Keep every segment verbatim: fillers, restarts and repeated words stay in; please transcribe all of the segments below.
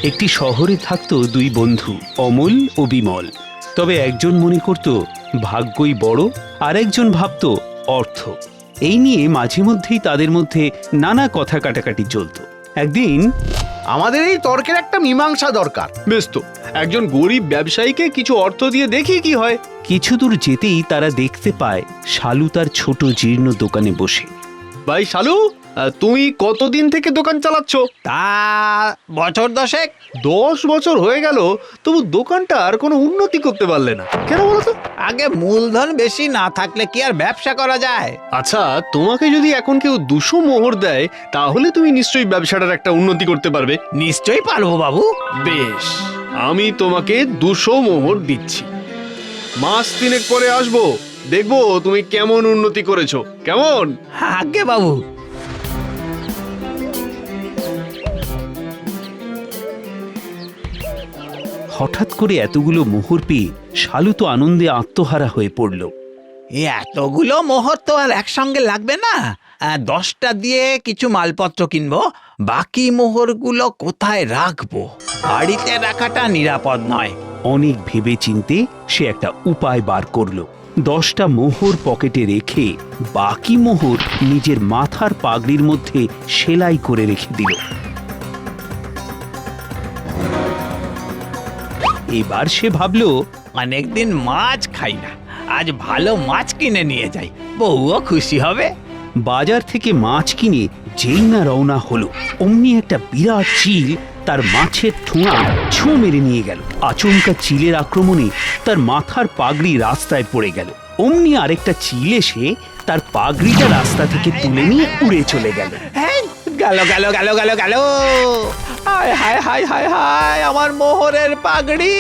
একটি শহরে থাকতো দুই বন্ধু, অমল ও বিমল। তবে একজন মনে করত ভাগ্যই বড়, আর একজন ভাবত অর্থ। এই নিয়ে মাঝে মধ্যেই তাদের মধ্যে নানা কথা কাটাকাটি চলত। একদিন, আমাদের এই তর্কের একটা মীমাংসা দরকার। বেশ তো, একজন গরিব ব্যবসায়ীকে কিছু অর্থ দিয়ে দেখি কি হয়। কিছু দূর যেতেই তারা দেখতে পায় শালু তার ছোট জীর্ণ দোকানে বসে। ভাই শালু, তুমি কতদিন থেকে দোকান চালাচ্ছ? তা বছর দশেক। দশ বছর হয়ে গেল, তবু দোকানটা আর কোনো উন্নতি করতে পারলে না, কেন বলো তো? আগে মূলধন বেশি না থাকলে কি আর ব্যবসা করা যায়? আচ্ছা, তোমাকে যদি এখন কেউ দুশো মোহর দেয়, তাহলে তুমি নিশ্চয়ই ব্যবসাটার একটা উন্নতি করতে পারবে। নিশ্চয়ই পারবো বাবু। বেশ, আমি তোমাকে দুশো মোহর দিচ্ছি। মাস তিনেক পরে আসবো, দেখবো তুমি কেমন উন্নতি করেছো। কেমন? আগে বাবু। হঠাৎ করে এতগুলো মোহর পেয়ে শালু তো আনন্দে আত্মহারা হয়ে পড়ল। এতগুলো মোহর তো আর একসঙ্গে লাগবে না। আহ, দশটা দিয়ে কিছু মালপত্র কিনবো, বাকি মোহরগুলো কোথায় রাখবো? বাড়িতে রাখাটা নিরাপদ নয়। অনেক ভেবে চিনতে সে একটা উপায় বার করলো। দশটা মোহর পকেটে রেখে বাকি মোহর নিজের মাথার পাগড়ির মধ্যে সেলাই করে রেখে দিল। এবার সে ভাবলো, অনেকদিন মাছ খাই না, আজ ভালো মাছ কিনে নিয়ে যাই, বউও খুশি হবে। বাজার থেকে মাছ কিনে যেই না রওনা হলো, অমনি একটা বিরাট চিল তার মাছের ঠোঁয়া ছোঁ মেরে নিয়ে গেল। আচমকা চিলের আক্রমণে তার মাথার পাগড়ি রাস্তায় পড়ে গেল। অমনি আরেকটা চিল এসে তার পাগড়িটা রাস্তা থেকে তুলে নিয়ে উড়ে চলে গেল। গেল গেল গেল গেল গেল। হায় হায় হায় হায় হায়, আমার মোহরের পাগড়ি।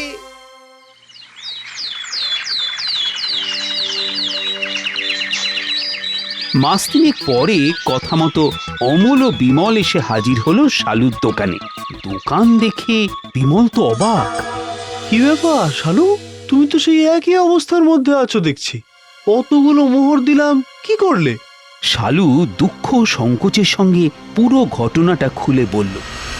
মাস তিনেক পরে কথা মতো অমল ও বিমল এসে হাজির হলো শালুর দোকানে। দোকান দেখে বিমল তো অবাক। কি ব্যাপার শালু, তুমি তো সেই একই অবস্থার মধ্যে আছো দেখছি। কতগুলো মোহর দিলাম, কি করলে? শালু দুঃখ ও সংকোচের সঙ্গে পুরো ঘটনাটা খুলে বলল।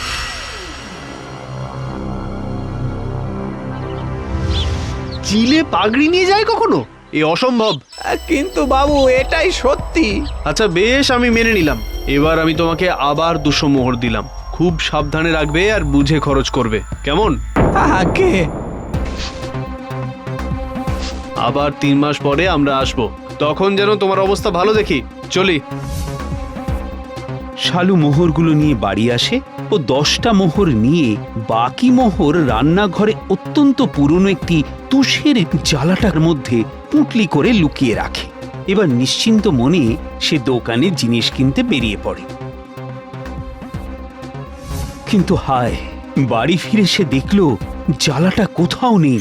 চিলে পাগড়ি নিয়ে যায় কখনো? এ অসম্ভব। কিন্তু বাবু, এটাই সত্যি। আচ্ছা বেশ, আমি মেনে নিলাম। এবার আমি তোমাকে আবার দুশো মোহর দিলাম। খুব সাবধানে রাখবে আর বুঝে খরচ করবে, কেমন? আগে আবার তিন মাস পরে আমরা আসবো, তখন যেন তোমার অবস্থা ভালো দেখি। চলি। শালু মোহরগুলো নিয়ে বাড়ি আসে ও দশটা মোহর নিয়ে বাকি মোহর রান্নাঘরে অত্যন্ত পুরনো একটি তুষের জ্বালাটার মধ্যে পুঁটলি করে লুকিয়ে রাখে। এবার নিশ্চিন্ত মনে সে দোকানে জিনিস কিনতে বেরিয়ে পড়ে। কিন্তু হায়, বাড়ি ফিরে সে দেখল জ্বালাটা কোথাও নেই।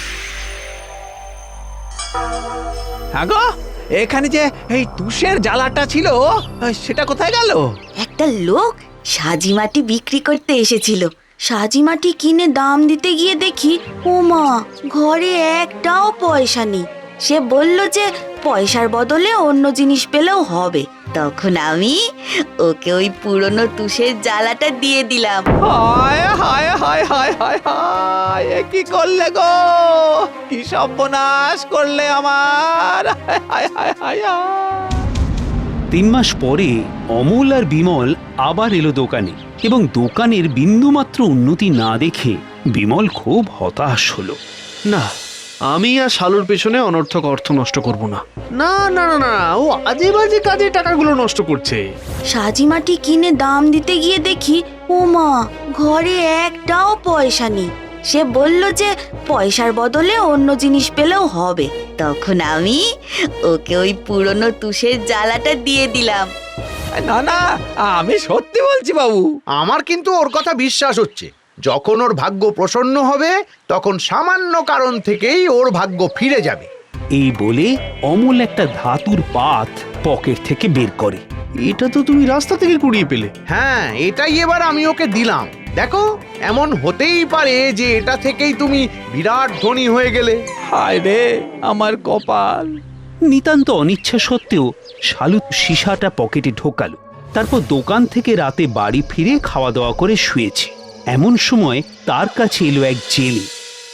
আগো, এখানে যে এই তুষের জ্বালাটা ছিল, সেটা কোথায় গেল? একটা লোক সাজি মাটি বিক্রি করতে এসেছিল। সাজি মাটি কিনে দাম দিতে গিয়ে দেখি, ওমা, ঘরে একটাও পয়সা নেই। সে বলল যে পয়সার বদলে অন্য জিনিস পেলেও হবে। তখন আমি ওকে ওই পুরনো তুষের জ্বালাটা দিয়ে দিলাম। হায় হায় হায় হায় হায় হায়, এ কি করলে গো? কি সর্বনাশ করলে আমার! হায় হায় হায় হায়। তিন মাস পরে অমল আর বিমল আবার এলো দোকানে, এবং দোকানের বিন্দুমাত্র উন্নতি না দেখে বিমল খুব হতাশ হলো। না, আমি আর শালুর পেছনে অনর্থক অর্থ নষ্ট করব না। না না না না, ও আজে বাজে কাজে টাকাগুলো নষ্ট করছে। সাজি মাটি কিনে দাম দিতে গিয়ে দেখি, ওমা, ঘরে একটাও পয়সা নেই। সে বলল যে পয়সার বদলে অন্য জিনিস পেলেও হবে। তখন আমি ওকে ওই পুরনো তুষের জ্বালাটা দিয়ে দিলাম। না না, আমি সত্যি বলছি বাবু। আমার কিন্তু ওর কথা বিশ্বাস হচ্ছে। যখন ওর ভাগ্য প্রসন্ন হবে, তখন সামান্য কারণ থেকেই ওর ভাগ্য ফিরে যাবে। এই বলে অমল একটা ধাতুর পাত পকেট থেকে বের করে। এটা তো তুমি রাস্তা থেকে কুড়িয়ে পেলে। হ্যাঁ, এটাই এবার আমি ওকে দিলাম। দেখো, এমন হতেই পারে যে এটা থেকেই তুমি বিরাট ধনী হয়ে গেলে। হায় রে আমার কপাল। নিতান্ত অনিচ্ছা সত্ত্বেও শালু সীসাটা পকেটে ঢোকালো। তারপর দোকান থেকে রাতে বাড়ি ফিরে খাওয়া দাওয়া করে শুয়েছে। এমন সময় তার কাছে এলো এক জেলে।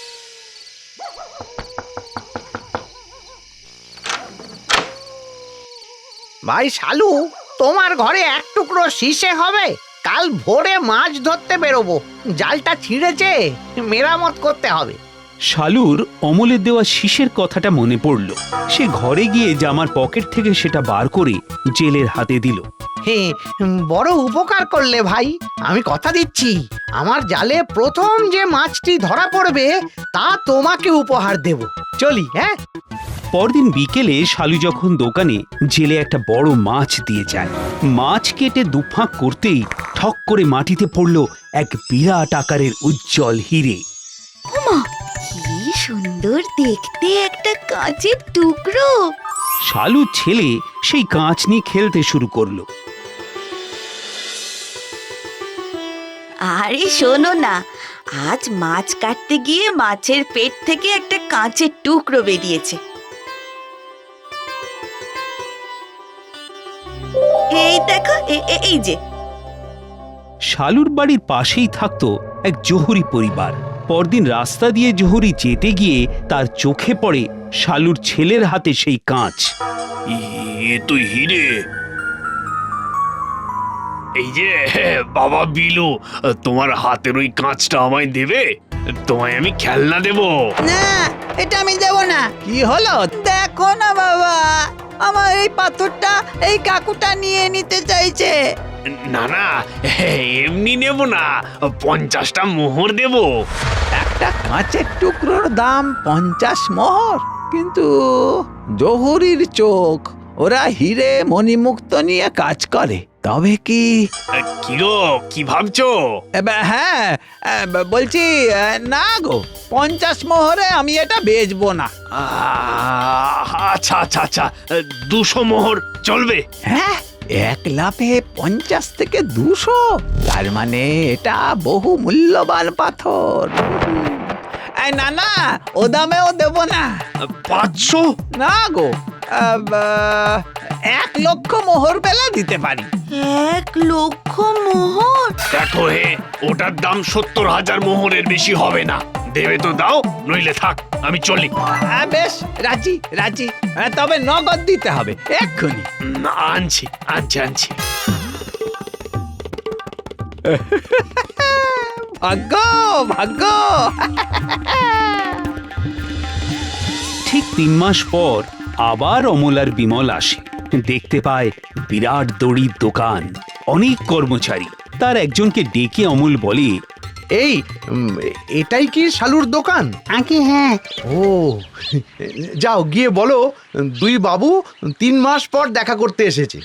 ভাই শালু, তোমার ঘরে এক টুকরো শীষে হবে? কাল ভোরে মাছ ধরতে বেরোবো, জালটা ছিঁড়েছে, মেরামত করতে হবে। শালুর অমলের দেওয়া শীষের কথাটা মনে পড়ল। সে ঘরে গিয়ে জামার পকেট থেকে সেটা বার করে জেলের হাতে দিল। হে, বড় উপকার করলে ভাই। আমি কথা দিচ্ছি, আমার জালে প্রথম যে মাছটি ধরা পড়বে তা তোমাকে উপহার দেব। চলি, হ্যাঁ? পরদিন বিকেলে শালু যখন দোকানে জেলে একটা বড় মাছ দিয়ে যায়, মাছ কেটে দুফাঁক করতেই ঠক করে মাটিতে পড়ল এক বিরাট আকারের উজ্জ্বল হিরে। ওমা, কি সুন্দর দেখতে একটা কাঁচের টুকরো। শালুর ছেলে সেই কাঁচ নিয়ে খেলতে শুরু করলো। আরে শোনো না, আজ মাছ কাটতে গিয়ে মাছের পেট থেকে একটা কাঁচের টুকরো বেরিয়েছে। এই দেখো, এ- এ- এই যে। শালুর বাড়ির পাশেই থাকতো এক জহুরি পরিবার। পরদিন রাস্তা দিয়ে জহুরি যেতে গিয়ে তার চোখে পড়ে শালুর ছেলের হাতে সেই কাঁচ। এ তো হিরে। এই যে বাবা বিলু, তোমার হাতের ওই কাঁচটা আমায় দেবে? তোমায় আমি খেলনা দেব। না, এটা আমি দেব না। কি হলো দেখো না বাবা, আমার এই পাথরটা এই কাকুটা নিয়ে নিতে চাইছে। না না, এমনি নেব না, পঞ্চাশটা মোহর দেব। একটা কাঁচের টুকরোর দাম পঞ্চাশ মোহর, কিন্তু জহুরির চোখ, ওরা হিরে মণিমুক্ত নিয়ে কাজ করে, তবে কি? কি গো, কি ভাবছো? এ বে- হ্যাঁ, এ বে- বলছি এ, না গো, পঞ্চাশ মোহরে আমি এটা বেচবো না। আহ, আচ্ছা আচ্ছা আচ্ছা, দুশো মোহর চলবে? হ্যাঁ, এক লাফে পঞ্চাশ থেকে দুশো, তার মানে এটা বহু মূল্যবান পাথর। হুম। এই না না, ও দামেও দেব না। পাঁচশো? না গো, আহ, বা- এক লক্ষ মোহর পেলে দিতে পারি। এক লক্ষ মোহর? দেখো হে, ওটার দাম সত্তর হাজার মোহরের বেশি হবে না। দেবে তো দাও, নইলে থাক, আমি চলি। আহ, বেশ, রাজি রাজি, আহ, তবে নগদ দিতে হবে এক্ষুনি। উম, আনছি আনছি আনছি। ভাগ্য ভাগ্য। ঠিক তিন মাস পর আবার অমল আর বিমল আসে। দেখতে পায় বিরাট দড়ির দোকান, অনেক কর্মচারী। তার একজনকে ডেকে অমল বলে, এই উম, এটাই কি শালুর দোকান? আগে হ্যাঁ। ও, যাও গিয়ে বলো দুই বাবু তিন মাস পর দেখা করতে এসেছে।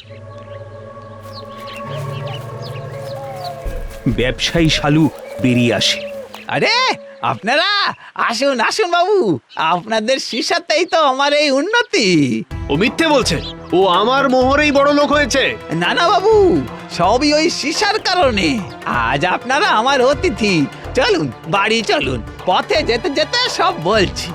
ব্যবসায়ী শালু বেরিয়ে আসে। আরে আপনারা আসুন আসুন বাবু, আপনাদের শিশাতেই তো আমার এই উন্নতি। ও মিথ্যে বলছে, ও আমার মোহরেই বড় লোক হয়েছে। না না বাবু, সবই ওই শিশার কারণে। আজ আপনারা আমার অতিথি, চলুন বাড়ি চলুন, পথে যেতে যেতে সব বলছি।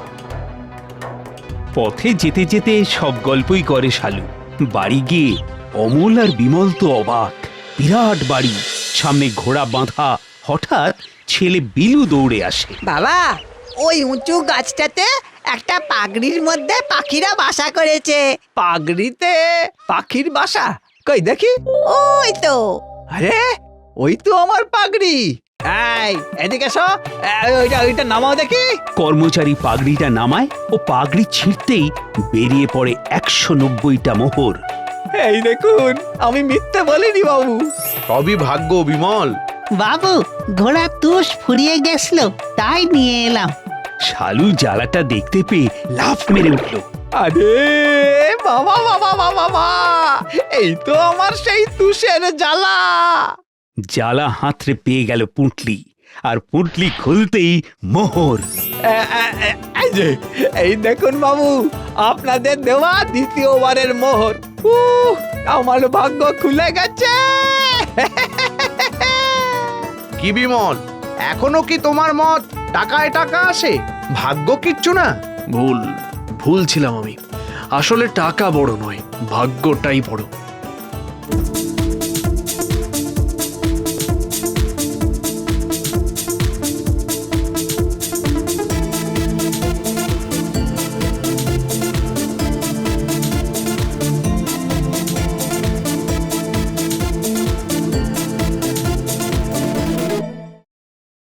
পথে যেতে যেতে সব গল্পই করে শালু। বাড়ি গিয়ে অমল আর বিমল তো অবাক। বিরাট বাড়ি, সামনে ঘোড়া বাঁধা। হঠাৎ ছেলে বিলু দৌড়ে আসে। বাবা, ওই উঁচু গাছটাতে একটা পাগড়ির মধ্যে পাখিরা বাসা করেছে। পাগড়িতে পাখির বাসা? কই দেখি। ওই তো। আরে ওই তো আমার পাগড়ি। এই এদিকে এসো, এই, ওইটা ওইটা নামাও দেখি। কর্মচারী পাগড়িটা নামায় ও পাগড়ি ছিঁড়তেই বেরিয়ে পড়ে একশো নব্বইটা মোহর। এই দেখুন, আমি মিথ্যে বলিনি বাবু। সবই ভাগ্য বিমল। বাবু, ঘোড়ার তুষ ফুরিয়ে গেছিল, তাই নিয়ে এলাম। শালু জ্বালাটা দেখতে পেয়ে লাফ মেরে উঠল। আরে বাবা বাবা বাবা বাবা, এই তো আমার সেই তুষের জ্বালা। জ্বালা হাতড়ে পেয়ে গেল পুঁটলি, আর পুঁটলি খুলতেই মোহর। এ- এ- এ- এই যে, এই দেখুন বাবু, আপনাদের দেওয়া দ্বিতীয়বারের মোহর। উহ, আমার ভাগ্য খুলে গেছে। কি বিমল, এখনো কি তোমার মত টাকায় টাকা আসে, ভাগ্য কিচ্ছু না? ভুল ভুল ছিলাম আমি। আসলে টাকা বড় নয়, ভাগ্যটাই বড়।